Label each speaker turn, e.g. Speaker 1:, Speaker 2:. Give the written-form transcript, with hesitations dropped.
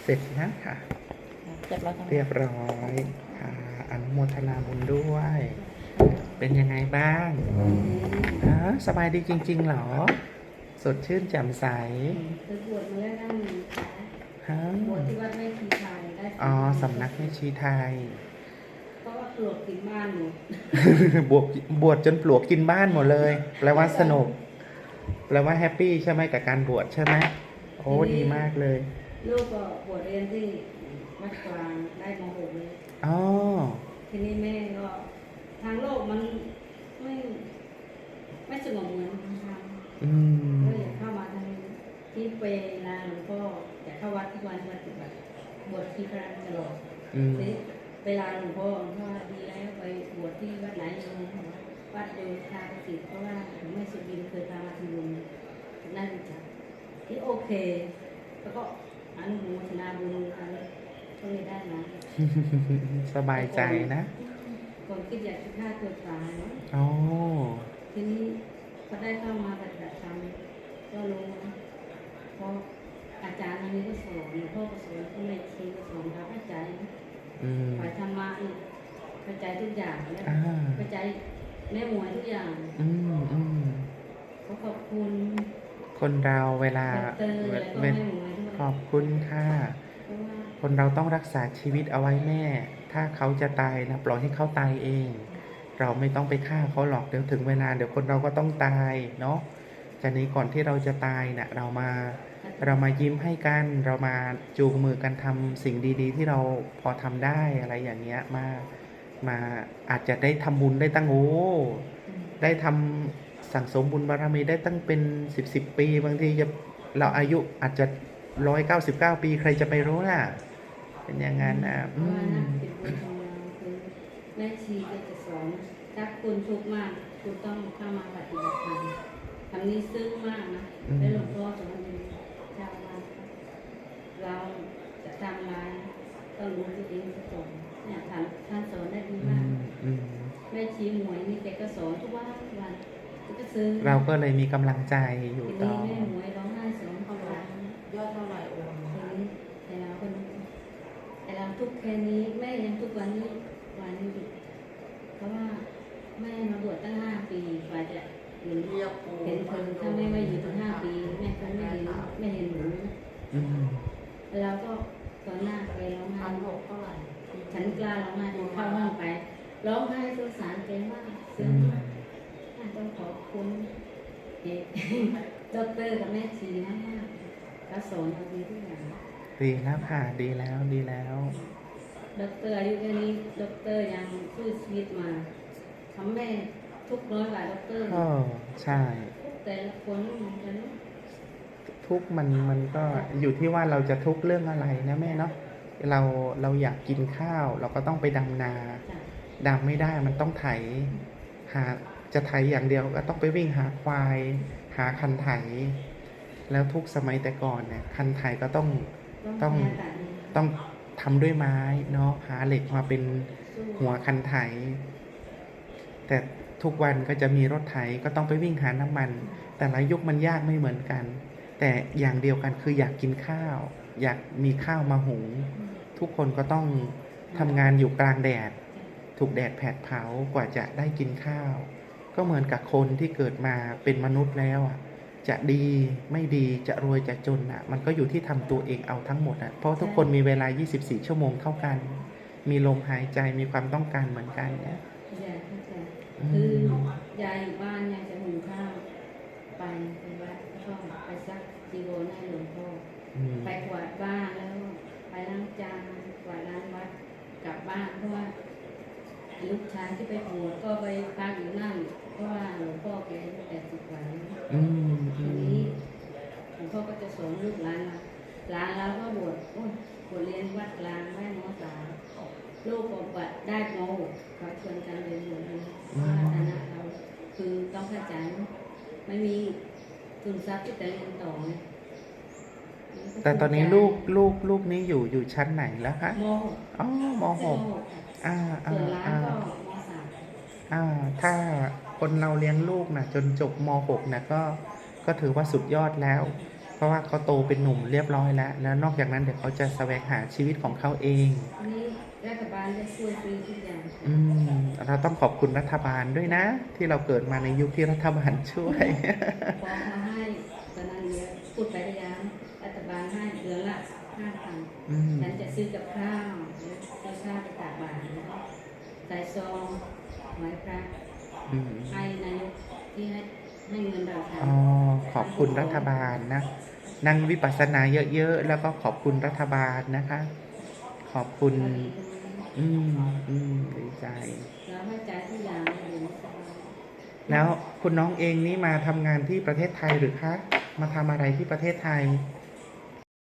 Speaker 1: เสร็จนะค่ะ
Speaker 2: เรียบร้อย
Speaker 1: เรียบร้อยค่ะอนุโมทนาบุญด้วย เป็นยังไงบ้างสบายดีจริงๆเหรอ สดชื่นแจ่มใส
Speaker 3: เคยบวชมาแล้วด้านหนึ่งค่ะบวชที่วัดแม่ชีไทยได้
Speaker 1: สำนักแม่ชีไทย
Speaker 3: เพราะว่าปลวกกินบ้านหมด
Speaker 1: บวชจนปลวกกินบ้านหมดเลย แปลว่าสนุก แปลว่าแฮปปี้ใช่ไหมกับการบวชใช่ไหมโอ้ดีมากเลย
Speaker 3: ลูกก็บวชเรียนที่วัดกลางได้ม .6 เลย
Speaker 1: อ๋อ
Speaker 3: ทีนี้แม่ก็ทางโลกมันไม่สงบเหมือนทางธรรมก็อยากเข้ามาทางที่เวลาหลวงพ่ออยากเข้าวัดทุกวันปฏิบัติบวชที่พระตลอดเวลาหลวงพ่อว่าดีแล้วไปบวชที่วัดไหนวัดโยธาประสิทธิ์เพราะว่าหลวงแม่สุบินเคยพามาทำบุญน่ารู้จักที่โอเคแล้วก็อนุโมทนาบุญกันก็เลยได้นะ
Speaker 1: สบายใจนะ
Speaker 3: ก่อนคิดอยากจะฆ่าตัวตายเนาะทีนี้พอได้เข้ามาปฏิบัติธรรมก็รู้นะเพราะอาจารย์อันนี้ก็สอนหลวงพ่อก็สอนก็เลยชี้ก็สอนเราเข้าใจฝ่ายธรรมะนี่เข้าใจทุกอย่างแล้วเข้าใจแม่หมวยทุกอย่างขอบคุณ
Speaker 1: คนเราเวลาขอบคุณค่ะคนเราต้องรักษาชีวิตเอาไว้แม่ ถ้าเขาจะตายนะปล่อยให้เขาตายเอง เราไม่ต้องไปฆ่าเขาหรอกเดี๋ยวถึงเวลาเดี๋ยวคนเราก็ต้องตายเนาะจากนี้ก่อนที่เราจะตายนะเรามายิ้มให้กันเรามาจูงมือกันทำสิ่งดีๆที่เราพอทำได้อะไรอย่างเงี้ยมาอาจจะได้ทำบุญได้ตั้งได้ทำสั่งสมบุญบารมีได้ตั้งเป็น10 ปีบางทีเราอายุอาจจะ199 ปีใครจะไปรู้น่ะเป็นอย่างนั้นนะ
Speaker 3: แม่ชีก็จะสอนถ้าคุณทุกข์มากคุณต้องเข้ามาปฏิบัติธรรมคำนี้ซึ้งมากนะแล้วหลวงพ่อสอนชาวบ้านเราจะทำอะไรต้องรู้ตัวเองซะก่อนเนี่ยท่านสอนได้ดีมากแม่ชีหมวยนี่แกก็สอนทุกวันก็ซึ้ง
Speaker 1: เราก็เลยมีกำลังใจอยู่ต่อ
Speaker 3: แม่หมวยร้องไห้สอนเขาร้อง
Speaker 2: ยอดเท่าไหร่องค์
Speaker 3: แต่เราทุกแค่นี้แม่ยังทุกวันนี้เพราะว่าแม่มาบวชตั้ง5 ปีกว่าจะเห็นเธอถ้าแม่ไม่อยู่ตั้ง5 ปีแม่ก็ไม่เห็นหนูเราก็ตอนหน้าไปร้องไห้
Speaker 2: เท่าไหร่
Speaker 3: ฉันกล้าร้องไห้เข้าห้องไปร้องไห้สงสารแกมากซึ้งมากต้องขอบคุณดร.กับแม่ชีมากก็สอนเราดีทุกอย่าง
Speaker 1: ดีแล้วค่ะดีแล้ว
Speaker 3: ดร.อายุแค่นี้ดร.ยังสู้ชีวิตมาทำแม่ทุกน้อยกว่าดร.
Speaker 1: ใช่
Speaker 3: แต่ละคนเหมือนกัน
Speaker 1: ทุกมันก็อยู่ที่ว่าเราจะทุกเรื่องอะไรนะแม่เนาะเราอยากกินข้าวเราก็ต้องไปดำนาดำไม่ได้มันต้องไถจะไถอย่างเดียวก็ต้องไปวิ่งหาควายหาคันไถแล้วทุกสมัยแต่ก่อนเนี่ยคันไถก็ต้องทำด้วยไม้เนาะหาเหล็กมาเป็นหัวคันไถแต่ทุกวันก็จะมีรถไถก็ต้องไปวิ่งหาน้ำมันแต่ละยุคมันยากไม่เหมือนกันแต่อย่างเดียวกันคืออยากกินข้าวอยากมีข้าวมาหุงทุกคนก็ต้องทำงานอยู่กลางแดดถูกแดดแผดเผากว่าจะได้กินข้าวก็เหมือนกับคนที่เกิดมาเป็นมนุษย์แล้วจะดีไม่ดีจะรวยจะจนมันก็อยู่ที่ทำตัวเองเอาทั้งหมดเพราะทุกคนมีเวลา24 ชั่วโมงเท่ากันมีลมหายใจมีความต้องการเหมือนกันเนี่ย
Speaker 3: คือยายอยู่บ้านยายจะหุงข้าวไปวัดก็ไปซักจีวรให้หลวงพ่อไปกวาดบ้านแล้วไปล้างจานกวาดล้างวัดกลับบ้านเพราะว่าลูกชายที่ไปบวชก็ไปพักอยู่นั่นเพราะว่าหลวงพ่อแกอายุ80 กว่าทีนี้หลวงพ่อก็จะสอนลูกหลานเราก็บวชเรียนวัดกลางได้ม.3ลูกก็บวชได้ม.6เขาชวนกันเรียนบวชเลยเพราะว่าฐานะเราคือต้องเข้าใจไม่มีทุนทรัพย์ที่จะเรียนต่อ
Speaker 1: แต่ตอนนี้ลูกนี้อยู่ชั้นไหนแล้วคะ
Speaker 3: ม
Speaker 1: .6
Speaker 3: ส่วนร้านก็ม
Speaker 1: .3ถ้าคนเราเลี้ยงลูกนะจนจบม.6นะก็ถือว่าสุดยอดแล้วเพราะว่าเขาโตเป็นหนุ่มเรียบร้อยแล้ว แล้วนอกจากนั้นเดี๋ยวเขาจะแสวงหาชีวิตของเขาเอง
Speaker 3: นี่รัฐบาลได้ช่วยฟรีทุกอย่าง
Speaker 1: เราต้องขอบคุณรัฐบาลด้วยนะ ที่เราเกิดมาในยุคที่รัฐบาลช่วย
Speaker 3: พอมาให้ตอนนั้นเยอะพูดไประยะรัฐบาลให้เดือนละ5,000ฉันจะซื้อกับข้าวซื้อข้าวไปตากบาตรใส่ซองไว้พระให้นายกที่ให้เงินเราท
Speaker 1: อ๋อ ขอบคุณรัฐบาลนะ นั่งวิปัสสนาเยอะๆ แล้วก็ขอบคุณรัฐบาลนะคะ ขอบคุณ ดีใจ
Speaker 3: แล้วให้ใจทุกอย่างเลยสบาย
Speaker 1: แล้วคุณน้องเองนี่มาทำงานที่ประเทศไทยหรือคะ มาทำอะไรที่ประเทศไทย
Speaker 3: ท